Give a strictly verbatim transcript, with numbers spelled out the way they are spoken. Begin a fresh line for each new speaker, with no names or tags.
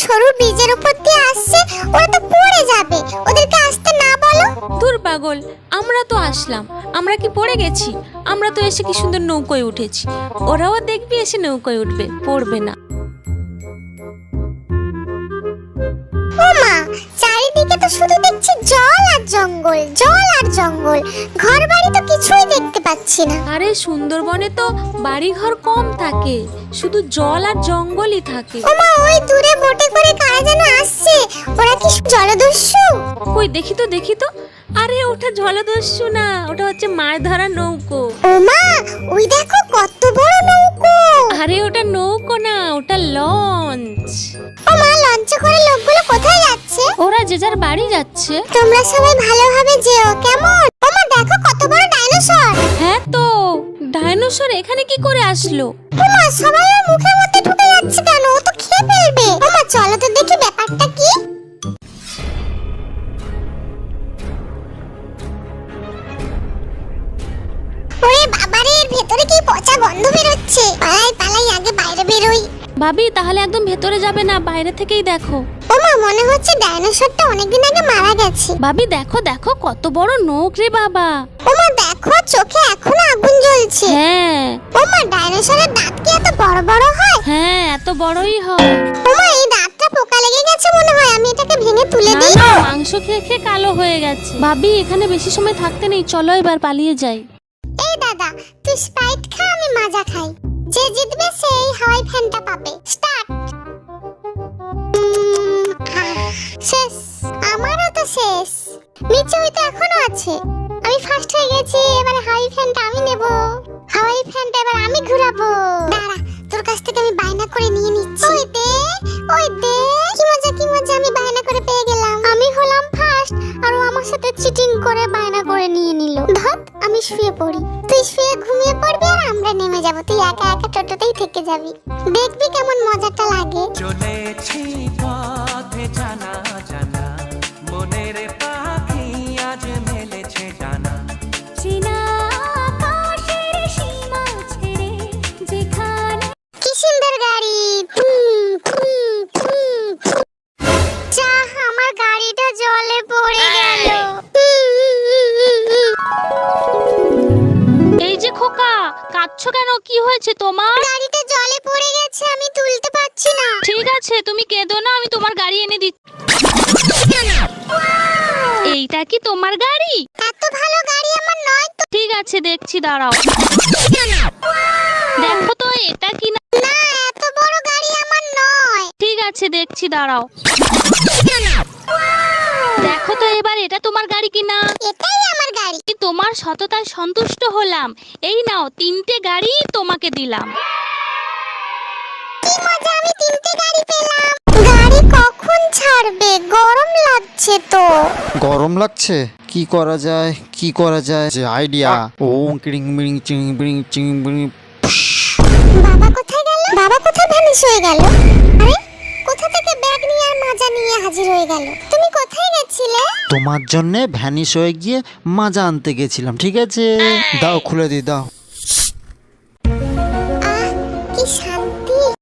সরু ব্রিজের উপর দিয়ে আসছে, ওরা তো পড়ে যাবে, ওদেরকে আসতে না বলো।
দূর পাগল, আমরা তো আসলাম, আমরা কি পড়ে গেছি? আমরা তো এসে কি সুন্দর নৌকোয় উঠেছি, ওরাও দেখবি এসে নৌকোয় উঠবে, পড়বে না।
ও মা, চারিদিকে তো শুধু দেখছি জল আর জঙ্গল, জল আর জঙ্গল, ঘর বাড়ি তো কিছুই দেখতে পাচ্ছি না।
আরে সুন্দরবনে তো বাড়ি ঘর কম থাকে, শুধু জল আর জঙ্গলই থাকে।
ও মা, ওই দূরে বোটে করে কারা যেন আসছে, ওরা কি জলদস্যু?
কই দেখি তো দেখি তো। আরে ওটা জলদস্যু না, ওটা হচ্ছে মাছ ধরার নৌকো।
ও মা, ওই দেখো কত বড় নৌকো।
আরে ওটা নৌকো না, ওটা লঞ্চ।
ও মা, লঞ্চে করে লোকগুলো কোথায় যাচ্ছে?
ওরা যে যার বাড়ি যাচ্ছে।
তোমরা সবাই ভালোভাবে যেও, কেমন? ও মা, দেখো কত বড় ডাইনোসর।
হ্যাঁ তো, ডাইনোসর এখানে কি করে আসলো?
ও মা, সবাই ওর মুখের মধ্যে ঢুকে যাচ্ছে কেন? ও তো খেয়ে ফেলবে। ও মা, চলো তো দেখি ব্যাপারটা কি। ওরে বাবারে, এর ভেতরে কি পচা গন্ধ বের হচ্ছে। পালাই পালাই, আগে বাইরে বেরোই।
ভাবি তাহলে একদম ভেতরে যাবে না, বাইরে থেকেই দেখো।
ও মা, মনে হচ্ছে ডাইনোসরটা অনেকদিন আগে মারা গেছে।
ভাবি দেখো দেখো কত বড় নৌক রে বাবা।
ও মা, দেখো চোখে এখনো আগুন জ্বলছে।
হ্যাঁ।
ও মা, ডাইনোসরের দাঁত কি এত বড় বড় হয়?
হ্যাঁ, এত বড়ই হয়।
ও মা, এই দাঁতটা পোকা লেগে গেছে মনে হয়, আমি এটাকে ভেঙে তুলে
না
দিই।
না, মাংস খেয়ে খেয়ে কালো হয়ে গেছে। ভাবি এখানে বেশি সময় থাকতে নেই, চলো এবার পালিয়ে যাই।
এই দাদা, তুই স্প্রাইট খা, আমি মাজা খাই। যে জিতবে সেই হাওয়াই ফ্যানটা পাবে। স্টার্ট। শেষ। আমারও তো শেষ। নিচে ওই তো এখনো আছে। আমি ফার্স্ট হয়ে গেছি, এবারে হাওয়াই ফ্যানটা আমি নেব। হাওয়াই ফ্যানটা এবার আমি ঘুরাবো। দাঁড়া, তোর কাছ থেকে আমি বায়না করে নিয়ে নিচ্ছি। ওই দে, ওই দে, কি মজা কি মজা, আমি বায়না করে পেয়ে গেলাম। আমি হলাম ফার্স্ট, আর ও আমার সাথে চিটিং করে বায়না করে নিয়ে নিল। ধত, আমি শুয়ে পড়ি। তুই শুয়ে ঘুমিয়ে পড়বি আর আমরা নেমে যাব, তুই একা একা টোটোতেই থেকে যাবি। দেখবি কেমন মজাটা লাগে।
চলেছি পথে জানা জানা, মনের পাখি আজ মেলেছে জানা।
কি সুন্দর গাড়ি। ফুম, ফুম, ফুম, ফুম। যাহ, আমার গাড়িটা জলে পড়ে গেল।
এই যে খোকা, কাঁদছো কেন? কি হয়েছে তোমার?
গাড়িটা জলে পড়ে গেছে, আমি তুলতে পারছি না।
ঠিক আছে, তুমি কেঁদো না, আমি তোমার গাড়ি এনে দিচ্ছি। এইটা কি তোমার গাড়ি?
এত ভালো গাড়ি আমার নয় তো।
ঠিক আছে, দেখছি, দাঁড়াও। দেখো তো এটা কি না।
না, এত বড় গাড়ি আমার নয়।
ঠিক আছে, দেখছি, দাঁড়াও। দেখো তো এবার এটা তোমার গাড়ি কিনা।
এটাই আমার গাড়ি।
তোমার সততায় সন্তুষ্ট হলাম। এই নাও, তিনটে গাড়ি তোমাকে দিলাম।
কি মজা, আমি তিনটে গাড়ি পেলাম। গাড়ি কখন ছাড়বে? গরম লাগছে তো।
গরম লাগছে? কি করা যায় কি করা যায় যে আইডিয়া। ও কিং বিং চিং বিং চিং বিং।
বাবা কোথায় গেল? বাবা কোথায় ভ্যানিশ হয়ে গেল? আরে, কোথা থেকে ব্যাগ নিয়ে আর মাজা নিয়ে হাজির হয়ে গেল? তুমি কোথায় গেছিলে?
তোমার জন্য ভ্যানিশ হয়ে গিয়ে মাজা আনতে গেছিলাম। ঠিক আছে, দাও খুলে দি, দাও।